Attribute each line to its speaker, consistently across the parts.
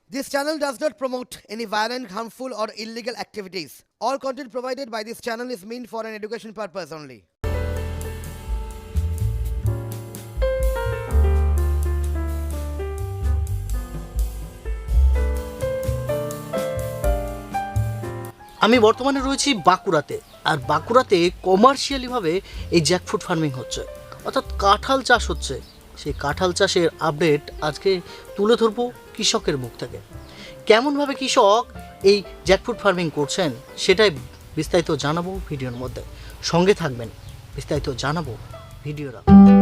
Speaker 1: This channel does not promote any violent, harmful, or illegal activities. All content provided by this channel is meant for an education purpose only.
Speaker 2: আমি বর্তমানে রয়েছি বাঁকুড়াতে, আর বাঁকুড়াতে কমার্শিয়ালিভাবে এই jackfruit farming হচ্ছে, অর্থাৎ কাঁঠাল চাষ হচ্ছে। সেই কাঁঠাল চাষের আপডেট আজকে তুলে ধরবো কৃষকের মুখ থেকে। কেমনভাবে কৃষক এই জ্যাকফ্রুট ফার্মিং করছেন সেটাই বিস্তারিত জানাবো ভিডিওর মধ্যে। সঙ্গে থাকবেন, বিস্তারিত জানাবো ভিডিওরা।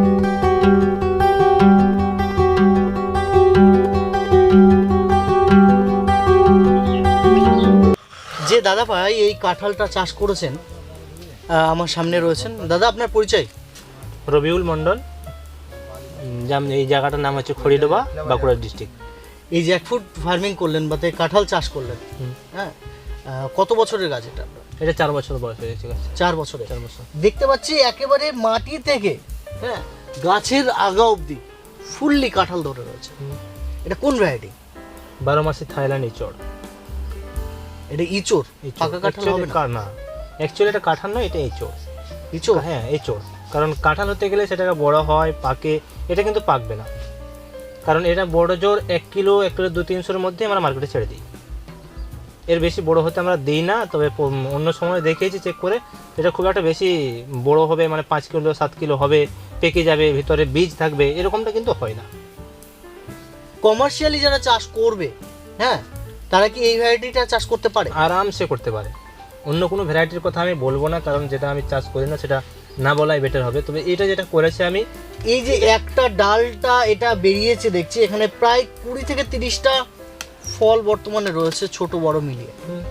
Speaker 2: যে দাদা ভাই এই কাঁঠালটা চাষ করেছেন আমার সামনে রয়েছেন। দাদা, আপনার পরিচয়?
Speaker 3: রবিউল মণ্ডল, এই জায়গাটার নাম হচ্ছে খড়িডোবা, বাঁকুড়া ডিস্ট্রিক্ট।
Speaker 2: এই জ্যাকফ্রুট ফার্মিং করলেন বা কাঁঠাল চাষ করলেন, হ্যাঁ, কত বছরের গাছ এটা?
Speaker 3: এটা 4 বছর বয়স হয়ে গেছে গাছ।
Speaker 2: 4 বছরে?
Speaker 3: 4 বছর।
Speaker 2: দেখতে পাচ্ছি একেবারে মাটি থেকে, হ্যাঁ, গাছের আগা অবধি ফুললি কাঁঠাল ধরে রয়েছে। এটা কোন ভ্যারাইটি?
Speaker 3: 12 মাসি থাইল্যান্ড ইচড়।
Speaker 2: এটা ইচড়? পাকা কাঁঠাল হবে
Speaker 3: না? অ্যাকচুয়ালি এটা কাঁঠাল নয়, এটা ইচড়।
Speaker 2: ইচড়?
Speaker 3: হ্যাঁ, ইচড়। কারণ কাঁঠাল হতে গেলে সেটাকে বড় হয়, পাকে। এটা কিন্তু পাকবে না, কারণ এটা বড় জোর 1 কিলো 200-300-এর মধ্যে আমরা মার্কেটে ছেড়ে দিই। এর বেশি বড় হতে আমরা দিই না। তবে অন্য সময় দেখিয়েছি চেক করে, এটা খুব একটা বেশি বড় হবে, মানে 5 কিলো 7 কিলো হবে, পেকে যাবে, ভিতরে বীজ থাকবে, এরকমটা কিন্তু হয় না।
Speaker 2: কমার্শিয়ালি যারা চাষ করবে, হ্যাঁ, তারা কি এই ভ্যারাইটিটা চাষ করতে পারে?
Speaker 3: আরামসে করতে পারে। অন্য কোনো ভ্যারাইটির কথা আমি বলবো না, কারণ যেটা আমি চাষ করি না সেটা না বলাই বেটার হবে। তবে এটা যেটা করেছি আমি,
Speaker 2: এই যে একটা ডালটা এটা বেরিয়েছে দেখছি, এখানে প্রায় 20 থেকে 30টা ফল বর্তমানে রয়েছে, ছোট বড় মিলিয়ে।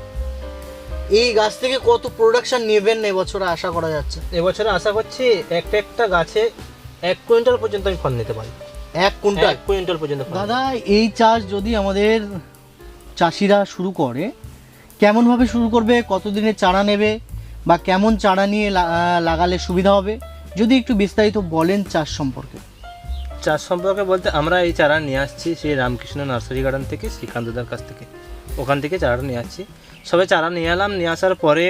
Speaker 2: এই গাছ থেকে কত প্রোডাকশন নেবেন এবছরে আশা করা যাচ্ছে?
Speaker 3: এবছরে আশা করছি একটা গাছে 1 কুইন্টাল পর্যন্ত আমি ফল নিতে পারি।
Speaker 2: 1 কুইন্টাল?
Speaker 3: 1 কুইন্টাল পর্যন্ত।
Speaker 2: দাদা, এই চাষ যদি আমাদের চাষিরা শুরু করে, কেমনভাবে শুরু করবে, কতদিনে চারা নেবে, বা কেমন চারা নিয়ে লাগালে সুবিধা হবে, যদি একটু বিস্তারিত বলেন চাষ সম্পর্কে।
Speaker 3: চাষ সম্পর্কে বলতে, আমরা এই চারা নিয়ে আসছি সেই রামকৃষ্ণ নার্সারি গার্ডেন থেকে, শ্রীকান্তদার কাছ থেকে। ওখান থেকে চারাটা নিয়ে আসছি। সবে চারা নিয়ে এলাম, নিয়ে আসার পরে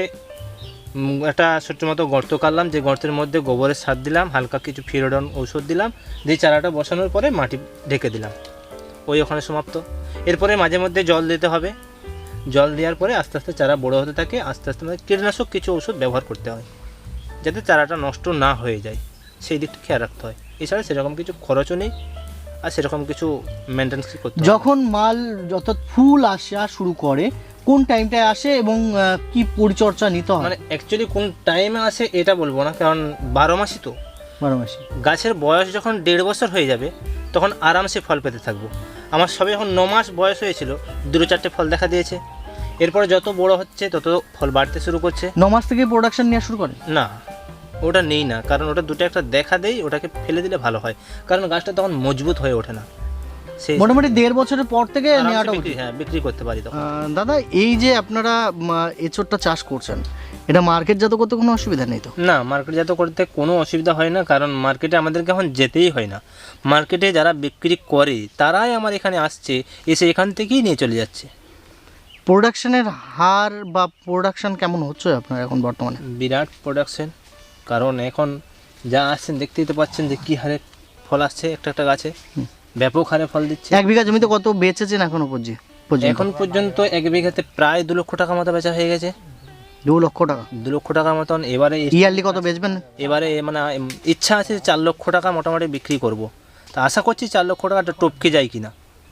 Speaker 3: একটা ছোট্ট মতো গর্ত কাটলাম, যে গর্তের মধ্যে গোবরের সার দিলাম, হালকা কিছু ফিরোডন ঔষধ দিলাম, দিয়ে চারাটা বসানোর পরে মাটি ঢেকে দিলাম। ওখানে সমাপ্ত। এরপরে মাঝে মধ্যে জল দিতে হবে। জল দেওয়ার পরে আস্তে আস্তে চারা বড়ো হতে থাকে। আস্তে আস্তে কীটনাশক কিছু ওষুধ ব্যবহার করতে হয়, যাতে চারাটা নষ্ট না হয়ে যায়, সেই দিকটা খেয়াল রাখতে হয়। এছাড়া সেরকম কিছু খরচও নেই, আর সেরকম কিছু মেনটেন্স করতে হয়।
Speaker 2: যখন মাল অর্থাৎ ফুল আসা শুরু করে, কোন টাইমটায় আসে এবং কি পরিচর্যা নিতে হয়?
Speaker 3: মানে অ্যাকচুয়ালি কোন টাইমে আসে এটা বলবো না, কারণ 12 মাসই তো।
Speaker 2: 12 মাসই।
Speaker 3: গাছের বয়স যখন 1.5 বছর হয়ে যাবে, তখন আরামসে ফল পেতে থাকবো। আমার সবে যখন 9 মাস বয়স হয়েছিল, 2-4টে ফল দেখা দিয়েছে। এরপরে যত বড় হচ্ছে তত ফল বাড়তে শুরু করছে।
Speaker 2: 9 মাস থেকে প্রোডাকশন নেওয়া শুরু করে?
Speaker 3: না, ওটা নেই না, কারণ ওটা দুটো একটা দেখা দেই, ওটাকে ফেলে দিলে ভালো হয়, কারণ গাছটা তখন মজবুত হয়ে ওঠে না। সেই
Speaker 2: মোটামুটি 1.5 বছরের পর থেকে নেওয়াটা উচিত।
Speaker 3: হ্যাঁ, বিক্রি করতে পারি তখন।
Speaker 2: দাদা, এই যে আপনারা এঁচোড়টা চাষ করছেন, এটা মার্কেটজাত করতে কোনো অসুবিধা নেই তো?
Speaker 3: না, মার্কেটজাত করতে কোনো অসুবিধা হয় না, কারণ মার্কেটে আমাদেরকে এখন যেতেই হয় না। মার্কেটে যারা বিক্রি করে তারাই আমার এখানে আসছে, এসে এখান থেকেই নিয়ে চলে যাচ্ছে।
Speaker 2: প্রোডাকশনের হার বা প্রোডাকশন কেমন হচ্ছে আপনার এখন বর্তমানে?
Speaker 3: বিরাট প্রোডাকশন, কারণ এখন যা আসছেন দেখতেই তো পাচ্ছেন যে কী হারে ফল আসছে একটা একটা গাছে, ব্যাপক হারে ফল দিচ্ছে।
Speaker 2: 1 বিঘা জমিতে কত বেচেছেন এখনো পর্যন্ত?
Speaker 3: এখন পর্যন্ত 1 বিঘাতে প্রায় 2 লক্ষ টাকা মতো বেচা হয়ে গেছে।
Speaker 2: 2 লক্ষ টাকা?
Speaker 3: 2 লক্ষ টাকার মতন। এবারে
Speaker 2: ইয়ারলি কত বেচবেন?
Speaker 3: এবারে মানে ইচ্ছা আছে 4 লক্ষ টাকা মোটামুটি বিক্রি করব। তা আশা করছি 4 লক্ষ টাকাটা টপকে যায় কিনা।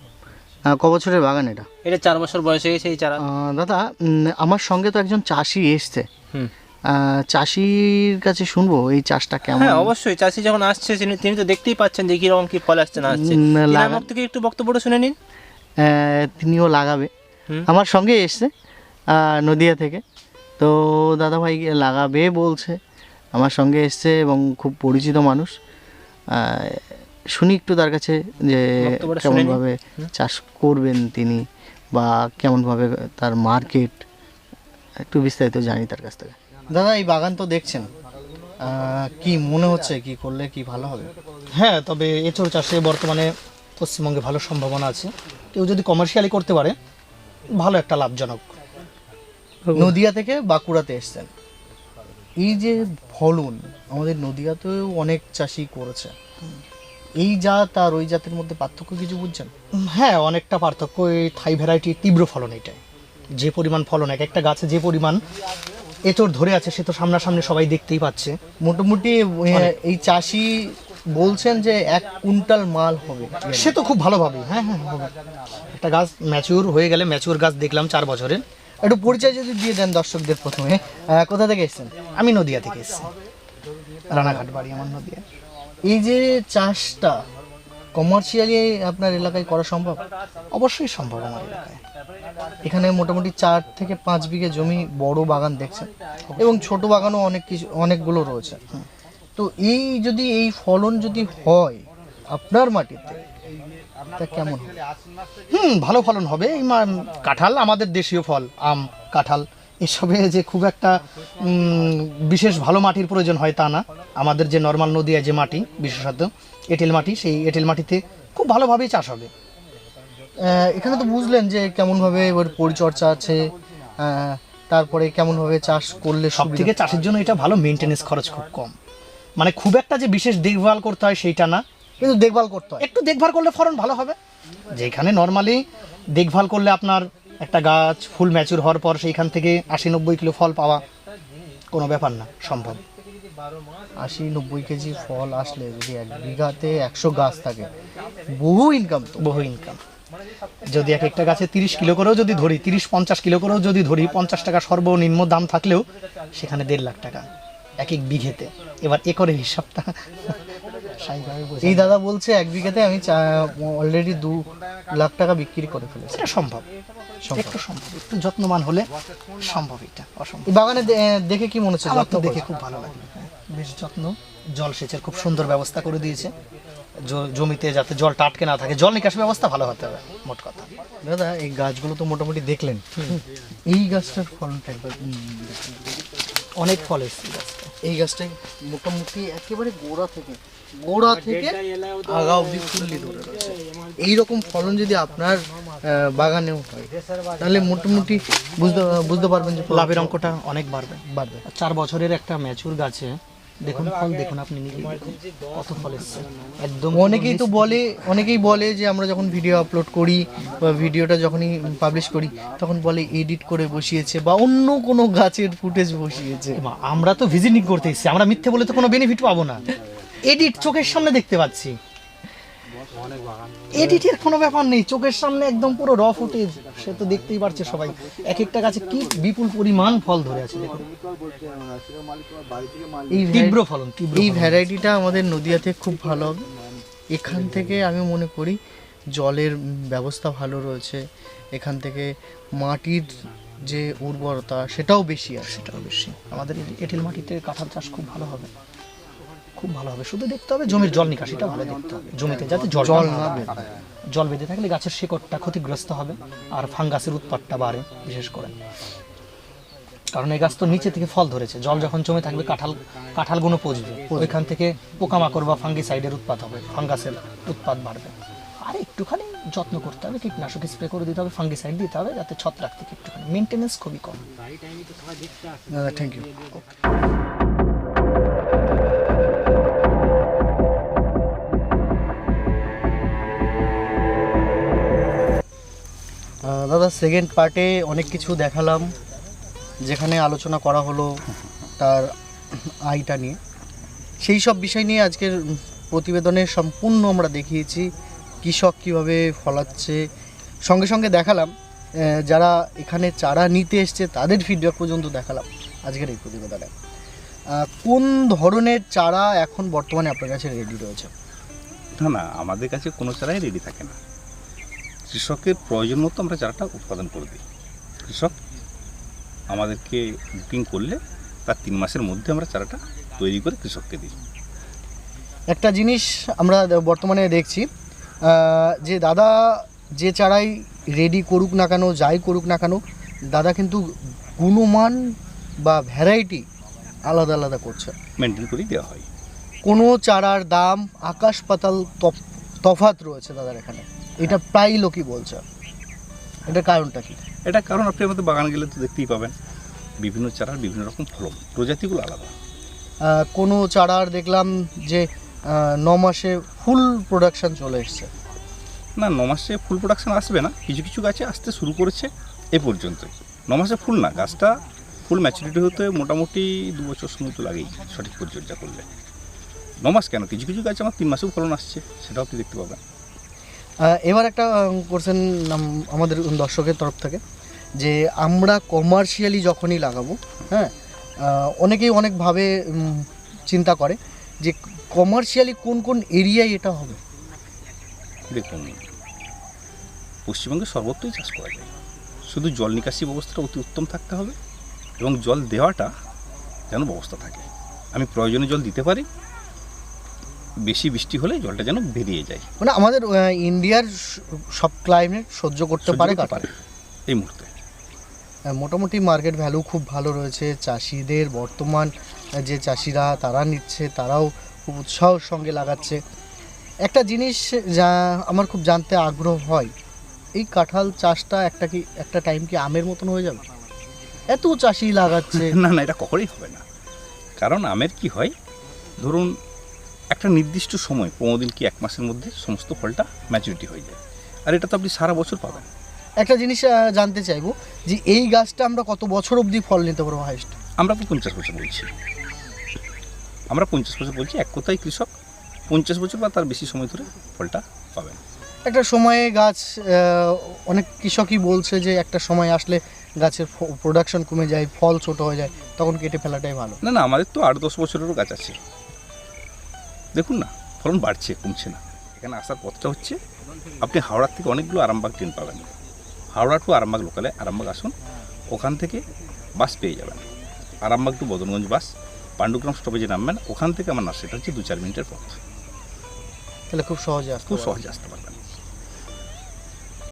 Speaker 2: ক বছরের বাগান এটা?
Speaker 3: এটা 4 বছর বয়স হয়ে গেছে এই চারা।
Speaker 2: দাদা, আমার সঙ্গে তো একজন চাষি এসছে, চাষির কাছে শুনবো এই চাষটা কেমন।
Speaker 3: হ্যাঁ, অবশ্যই। চাষি যখন আসছে তিনি তো দেখতেই পাচ্ছেন যে কীরকম কী ফল আসছে না আসছে। আমার থেকে একটু বক্তব্যটা শুনে নিন।
Speaker 2: তিনিও লাগাবে, আমার সঙ্গে এসছে নদিয়া থেকে। তো দাদা ভাই লাগাবে বলছে, আমার সঙ্গে এসছে এবং খুব পরিচিত মানুষ। শুনি একটু তার কাছে যে কেমনভাবে চাষ করবেন তিনি, বা কেমনভাবে তার মার্কেট, একটু বিস্তারিত জানি তার কাছ থেকে। দাদা, এই বাগান তো দেখছেন, কি মনে হচ্ছে কি করলে কি ভালো হবে? হ্যাঁ, তবে এঁচড় চাষে বর্তমানে পশ্চিমবঙ্গে ভালো সম্ভাবনা আছে। কেউ যদি কমার্শিয়ালি করতে পারে ভালো একটা লাভজনক।
Speaker 4: নদিয়া থেকে বাঁকুড়াতে এসছেন, এই যে ফলন আমাদের নদিয়াতেও অনেক চাষি করেছে, এই জাত আর ওই জাতের মধ্যে পার্থক্য কিছু বুঝছেন?
Speaker 2: হ্যাঁ, অনেকটা পার্থক্য। এই থাই ভ্যারাইটির তীব্র ফলন এটাই। যে পরিমাণ ফলন, এক একটা গাছে যে পরিমাণ এঁচড় ধরে আছে সে তো সামনাসামনি সবাই দেখতেই পাচ্ছে।
Speaker 4: মোটামুটি এই চাষি বলছেন যে 1 কুইন্টাল মাল হবে।
Speaker 2: সে তো খুব ভালোভাবে, হ্যাঁ হ্যাঁ হবে। একটা গাছ ম্যাচিউর হয়ে গেলে, ম্যাচিউর গাছ দেখলাম 4 বছরের।
Speaker 4: একটু পরিচয় যদি দিয়ে দেন দর্শকদের প্রথমে, কোথা থেকে এসেছেন?
Speaker 2: আমি নদিয়া থেকে এসেছি, রানাঘাট বাড়ি আমার নদিয়া।
Speaker 4: এই যে চাষটা কমার্শিয়ালি আপনার এলাকায় করা সম্ভব?
Speaker 2: অবশ্যই সম্ভব আমার এলাকায়।
Speaker 4: এখানে মোটামুটি 4 থেকে 5 বিঘে জমি বড় বাগান দেখছেন, এবং ছোট বাগানও অনেকগুলো রয়েছে। তো এই ফলন যদি হয় আপনার মাটিতে, তা কেমন হবে?
Speaker 2: ভালো ফলন হবে। এই কাঁঠাল আমাদের দেশীয় ফল, আম কাঁঠাল এসবে যে খুব একটা বিশেষ ভালো মাটির প্রয়োজন হয় তা না। আমাদের যে নর্মাল নদীয়া যে মাটি, বিশেষত এঁটেল মাটি, সেই এঁটেল মাটিতে খুব ভালোভাবেই চাষ হবে।
Speaker 4: এখানে তো বুঝলেন যে কেমনভাবে ওর পরিচর্যা আছে, তারপরে কেমনভাবে চাষ করলে
Speaker 2: সব থেকে চাষের জন্য এটা ভালো, মেনটেনেন্স খরচ খুব কম। মানে খুব একটা যে বিশেষ দেখভাল করতে হয় সেইটা না,
Speaker 4: কিন্তু দেখভাল করতে হয়।
Speaker 2: একটু দেখভাল করলে ফলন ভালো হবে। যেখানে নর্মালি দেখভাল করলে আপনার একটা গাছ ফুল ম্যাচুর হওয়ার পর সেইখান থেকে 80-90 কিলো ফল পাওয়া কোনো ব্যাপার না, সম্ভব।
Speaker 4: 80-90 কেজি ফল আসলে যদি 1 বিঘাতে 100 গাছ থাকে, বহু ইনকাম। তো
Speaker 2: বহু ইনকাম। যদি এক একটা গাছে 30 কিলো করেও যদি ধরি, 30-50 কিলো করেও যদি ধরি, 50 টাকা সর্বনিম্ন দাম থাকলেও সেখানে 1.5 লাখ টাকা এক বিঘেতে। এবার একরের হিসাবটা
Speaker 4: এই দাদা বলছে 1 বিঘাতে আমি অলরেডি 2 লাখ টাকা বিক্রি করে ফেলেছি।
Speaker 2: এটা সম্ভব, একটু সম্ভব, একটু যত্নবান হলে সম্ভব। এটা অসম্ভব।
Speaker 4: এই বাগানে দেখে কি মনে হচ্ছে?
Speaker 2: যত্ন দেখে খুব ভালো লাগে, বেশ যত্ন। জলসেচের খুব সুন্দর ব্যবস্থা করে দিয়েছে জমিতে, যাতে জলটা আটকে না থাকে। জল নিকাশ ব্যবস্থা ভালো হতে হবে, মোট কথা।
Speaker 4: দাদা এই গাছগুলো তো মোটামুটি দেখলেন, এই গাছটার ফলনটা একবার
Speaker 2: অনেক ফল এসছে গাছটা।
Speaker 4: এই গাছটা মোটামুটি একেবারে গোড়া থেকে আগা অবধি ফুললি ধরে রয়েছে। এইরকম ফলন যদি আপনার বাগানেও হয়, তাহলে মোটামুটি বুঝতে পারবেন যে
Speaker 2: লাভের অঙ্কটা অনেক বাড়বে। 4 বছরের একটা ম্যাচুর গাছে দেখুন ফল, দেখুন আপনি নিজেই দেখুন কত ফল এসছে একদম।
Speaker 4: অনেকেই বলে যে আমরা যখন ভিডিও আপলোড করি বা ভিডিওটা যখনই পাবলিশ করি, তখন বলে এডিট করে বসিয়েছে বা অন্য কোনো গাছের ফুটেজ বসিয়েছে।
Speaker 2: আমরা তো ভিজিটিং করতে এসেছি, আমরা মিথ্যে বলে তো কোনো বেনিফিট পাবো না। এডিট চোখের সামনে দেখতে পাচ্ছি, এডিটের কোনো ব্যাপার নেই, চোখের সামনে একদম পুরো র ফুটেজ, সে তো দেখতেই পারছে সবাই। এক একটা গাছে কি বিপুল পরিমাণ ফল ধরে আছে দেখুন। তীব্র ফলন,
Speaker 4: এই ভ্যারাইটিটা আমাদের নদিয়াতে খুব ভালো হবে। এখান থেকে আমি মনে করি জলের ব্যবস্থা ভালো রয়েছে, এখান থেকে মাটির যে উর্বরতা সেটাও বেশি আছে।
Speaker 2: সেটাও বেশি। আমাদের এঁটেল মাটিতে কাঁঠাল চাষ খুব ভালো হবে, খুব ভালো হবে। শুধু দেখতে হবে জমির জল নিকাশিটা ভালো দেখতে হবে, জমিতে যাতে জল না বেঁধে। জল বেঁধে থাকলে গাছের শিকড়টা ক্ষতিগ্রস্ত হবে আর ফাঙ্গাসের উৎপাতটা বাড়ে বিশেষ করে। কারণ এই গাছ তো নিচে থেকে ফল ধরেছে, জল যখন জমে থাকবে কাঁঠালগুলো পচবে, ওইখান থেকে পোকামাকড় বা ফাঙ্গিসাইডের উৎপাত হবে, ফাঙ্গাসের উৎপাত বাড়বে। আর একটুখানি যত্ন করতে হবে, কীটনাশক স্প্রে করে দিতে হবে, ফাঙ্গিসাইড দিতে হবে, যাতে ছত্রাক থেকে একটুখানি মেনটেনেন্স খুবই কম।
Speaker 4: Thank you. দাদা সেকেন্ড পার্টে অনেক কিছু দেখালাম, যেখানে আলোচনা করা হলো তার আয়টা নিয়ে, সেই সব বিষয় নিয়ে আজকের প্রতিবেদনে সম্পূর্ণ আমরা দেখিয়েছি কৃষক কীভাবে ফলাচ্ছে। সঙ্গে সঙ্গে দেখালাম যারা এখানে চারা নিতে এসছে তাদের ফিডব্যাক পর্যন্ত দেখালাম আজকের এই প্রতিবেদনে। কোন ধরনের চারা এখন বর্তমানে আপনার কাছে রেডি রয়েছে?
Speaker 5: না, আমাদের কাছে কোনো চারাই রেডি থাকে না। কৃষকের প্রয়োজন মতো আমরা চারাটা উৎপাদন করে দিই। কৃষক আমাদেরকে বুকিং করলে তার 3 মাসের মধ্যে আমরা চারাটা তৈরি করে কৃষককে দিই।
Speaker 4: একটা জিনিস আমরা বর্তমানে দেখছি যে দাদা যে চারাই রেডি করুক না কেন, যাই করুক না কেন, দাদা কিন্তু গুণমান বা ভ্যারাইটি আলাদা আলাদা করছে,
Speaker 5: মেনটেন করেই দেওয়া হয়।
Speaker 4: কোনো চারার দাম আকাশ পাতাল তফাৎ রয়েছে দাদার এখানে, এটা প্রায় লোকই বলছে, এটার কারণটা কি?
Speaker 5: এটা কারণ আপনি আমাদের বাগান গেলে তো দেখতেই পাবেন বিভিন্ন চারার বিভিন্ন রকম ফলন, প্রজাতিগুলো আলাদা।
Speaker 4: কোনো চারার দেখলাম যে 9 মাসে ফুল প্রোডাকশন চলে এসছে।
Speaker 5: না, 9 মাসে ফুল প্রোডাকশন আসবে না, কিছু কিছু গাছে আসতে শুরু করেছে এ পর্যন্তই। 9 মাসে ফুল না, গাছটা ফুল ম্যাচুরিটি হতে মোটামুটি 2 বছর সময় তো লাগেই সঠিক পরিচর্যা করলে। 9 মাস কেন, কিছু কিছু গাছে আমার 3 মাসেও ফলন আসছে, সেটাও আপনি দেখতে পাবেন।
Speaker 4: এবার একটা করছেন আমাদের দর্শকের তরফ থেকে, যে আমরা কমার্শিয়ালি যখনই লাগাবো, হ্যাঁ, অনেকেই অনেকভাবে চিন্তা করে যে কমার্শিয়ালি কোন কোন এরিয়ায় এটা হবে।
Speaker 5: দেখুন, পশ্চিমবঙ্গে সর্বত্রই চাষ করা যায়, শুধু জল নিকাশি ব্যবস্থাটা অতি উত্তম থাকতে হবে এবং জল দেওয়াটা যেন ব্যবস্থা থাকে। আমি প্রয়োজনে জল দিতে পারি, বেশি বৃষ্টি হলে জলটা যেন বেরিয়ে যায়।
Speaker 4: মানে আমাদের ইন্ডিয়ার সব ক্লাইমেট সহ্য করতে পারে কাটারে
Speaker 5: এই মুহূর্তে।
Speaker 4: মোটামুটি মার্কেট ভ্যালু খুব ভালো রয়েছে। চাষিদের বর্তমান যে চাষিরা তারা নিচ্ছে, তারাও খুব উৎসাহের সঙ্গে লাগাচ্ছে। একটা জিনিস যা আমার খুব জানতে আগ্রহ হয়, এই কাঁঠাল চাষটা একটা টাইম কি আমের মতন হয়ে যাবে? এত চাষি লাগাচ্ছে।
Speaker 5: না না, এটা কখনোই হবে না। কারণ আমের কি হয়, ধরুন একটা নির্দিষ্ট সময় 15 দিন কি 1 মাসের মধ্যে সমস্ত ফলটা ম্যাচুরিটি হয়ে যায়, আর এটা তো আপনি সারা বছর পাবেন।
Speaker 4: একটা জিনিস জানতে চাইবো যে এই গাছটা আমরা কত বছর অবধি ফল নিতে পারবো হাইস্ট?
Speaker 5: আমরা তো 50 বছর বলছি, আমরা 50 বছর বলছি। এক কথায় কৃষক 50 বছর বা তার বেশি সময় ধরে ফলটা পাবেন।
Speaker 4: একটা সময়ে গাছ অনেক কৃষকই বলছে যে একটা সময় আসলে গাছের প্রোডাকশন কমে যায়, ফল ছোট হয়ে যায়, তখন কেটে ফেলাটাই ভালো।
Speaker 5: না না, আমাদের তো 8-10 বছরেরও গাছ আছে। দেখুন না, ফলন বাড়ছে, কমছে না। এখানে আসার পথটা হচ্ছে, আপনি হাওড়ার থেকে অনেকগুলো আরামবাগ ট্রেন পাবেন। হাওড়া টু আরামবাগ লোকালে আরামবাগ আসুন, ওখান থেকে বাস পেয়ে যাবেন। আরামবাগ টু বদনগঞ্জ বাস, পাণ্ডুগ্রাম স্টপেজে নামবেন, ওখান থেকে আমার নার্সারিটা হচ্ছে 2-4 মিনিটের পথ।
Speaker 4: তাহলে খুব সহজে
Speaker 5: খুব সহজে আসতে পারবেন।